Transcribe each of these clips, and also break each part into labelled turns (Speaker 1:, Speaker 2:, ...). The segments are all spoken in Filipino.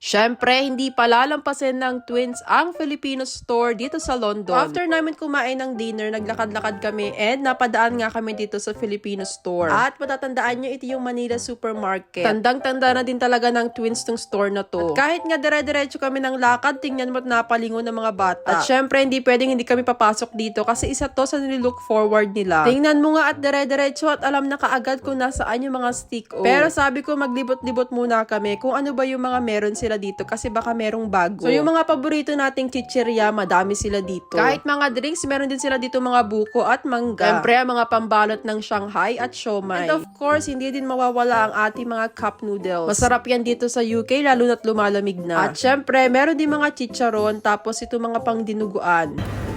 Speaker 1: Syempre, hindi palalampasin ng Twins ang Filipino store dito sa London. After namin kumain ng dinner, naglakad-lakad kami and napadaan nga kami dito sa Filipino store. At matatandaan nyo, ito yung Manila Supermarket. Tandang-tanda na din talaga ng Twins tong store na to. At kahit nga dire-diretso kami ng lakad, tingnan mo at napalingon ng mga bata. At syempre, hindi pwedeng hindi kami papasok dito kasi isa to sa nilook forward nila. Tingnan mo nga at dire-diretso at alam na kaagad kung nasaan yung mga stick-o. Pero sabi ko, maglibot-libot muna kami kung ano ba yung mga meron sila dito kasi baka merong bago. So yung mga paborito nating chichirya, madami sila dito. Kahit mga drinks, meron din sila dito mga buko at mangga. Siyempre, mga pambalot ng Shanghai at siomai. And of course, hindi din mawawala ang ating mga cup noodles. Masarap yan dito sa UK, lalo na't lumalamig na. At syempre, meron din mga chicharon, tapos ito mga pangdinuguan.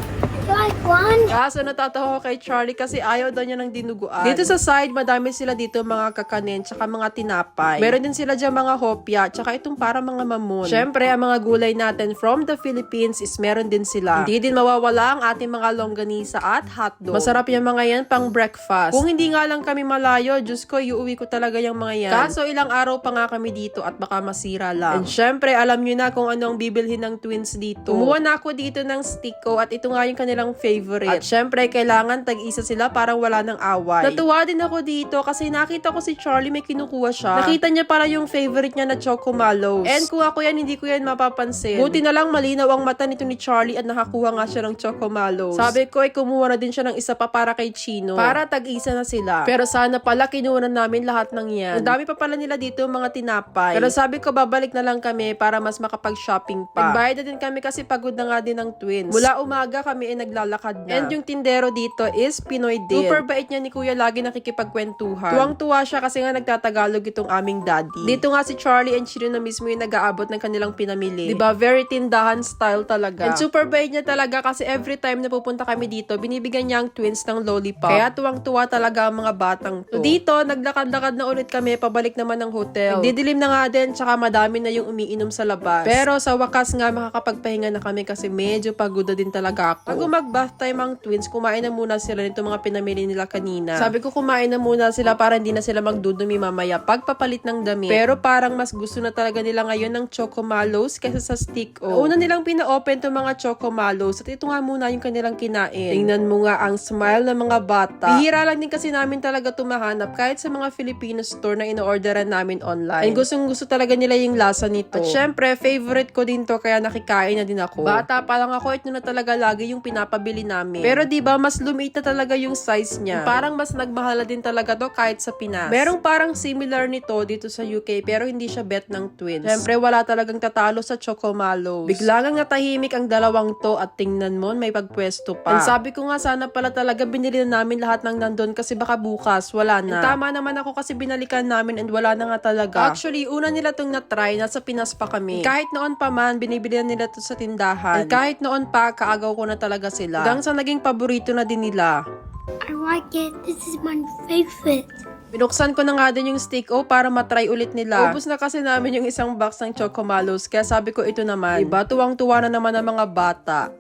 Speaker 2: Like one?
Speaker 1: Kaso natatawa ko kay Charlie kasi ayaw daw niya ng dinuguan. Dito sa side, madami sila dito mga kakanin tsaka mga tinapay. Meron din sila dyan mga hopya tsaka itong para mga mamon. Syempre, ang mga gulay natin from the Philippines is meron din sila. Hindi din mawawala ang ating mga longganisa at hotdog. Masarap yung mga yan pang breakfast. Kung hindi nga lang kami malayo, Diyos ko, iuwi ko talaga yung mga yan. Kaso ilang araw pa nga kami dito at baka masira lang. And syempre, alam nyo na kung ano ang bibilhin ng Twins dito. Kumuha na ako dito ng stick-o at ito nga yung kanilang favorite. At syempre, kailangan tag-isa sila parang wala ng away. Natuwa din ako dito kasi nakita ko si Charlie may kinukuha siya. Nakita niya para yung favorite niya na Choco Mallows. And kung ako yan, hindi ko yan mapapansin. Buti na lang malinaw ang mata nito ni Charlie at nakakuha nga siya ng Choco Mallows. Sabi ko ay kumuha na din siya ng isa pa para kay Chino. Para tag-isa na sila. Pero sana pala kinuha na namin lahat ng yan. Ang dami pa pala nila dito mga tinapay. Pero sabi ko babalik na lang kami para mas makapag-shopping pa. Nagbayad na din kami kasi pagod na nga din ng Twins. Mula umaga kami ay naglalakad na. And yung tindero dito is Pinoy din. Super bait niya ni Kuya, lagi nakikipagkwentuhan. Tuwang-tuwa siya kasi nga nagtatagalog itong aming daddy. Dito nga si Charlie and Chino na mismo yung nag-aabot ng kanilang pinamili. Diba? Very tindahan style talaga. And super bait niya talaga kasi every time na pupunta kami dito, binibigyan niya ang Twins ng lollipop. Kaya tuwang-tuwa talaga ang mga batang to. So dito, naglakad-lakad na ulit kami, pabalik naman ng hotel. Nagdidilim na nga din, tsaka madami na yung umiinom sa labas. Pero sa wakas nga, makakapagpahinga na kami kasi medyo pagod din talaga ako. Bago mag-bath time ang Twins, kumain na muna sila nito mga pinamili nila kanina. Sabi ko kumain na muna sila para hindi na sila magdudumi mamaya pagpapalit ng damit. Pero parang mas gusto na talaga nila ngayon ng Choco Mallows kaysa sa stick-o. Una nilang pina-open itong mga Choco Mallows at ito nga muna yung kanilang kinain. Tingnan mo nga ang smile ng mga bata. Bihira lang din kasi namin talaga tumahanap kahit sa mga Filipino store na ino-orderan namin online. And gustong-gusto talaga nila yung lasa nito. At syempre, favorite ko din to kaya nakikain na din ako. Bata pa lang ako, ito na talaga lagi yung pinapabili namin. Pero diba, mas lumiit na talaga yung size niya. Parang mas nagmahala din talaga to kahit sa Pinas. Merong parang similar nito dito sa UK pero hindi siya bet ng Twins. Siyempre, wala talagang tatalo sa Choco Mallows. Bigla nga natahimik ang dalawang to at tingnan mo, may pagpwesto pa. And sabi ko nga sana pala talaga binili na namin lahat ng nandun kasi baka bukas, wala na. And tama naman ako kasi binalikan namin and wala na nga talaga. Actually, una nila tong na-try, nasa Pinas pa kami. Kahit noon pa man, binibili nila to sa tindahan. And kahit noon pa, kaagaw ko na talaga sila. Hanggang sa naging paborito na din nila.
Speaker 2: I like it. This is my favorite.
Speaker 1: Binuksan ko na nga din yung stick-o para matry ulit nila. Ubus na kasi namin yung isang box ng Choco Mallows, kaya sabi ko ito naman. Diba, tuwang-tuwa na naman ang mga bata.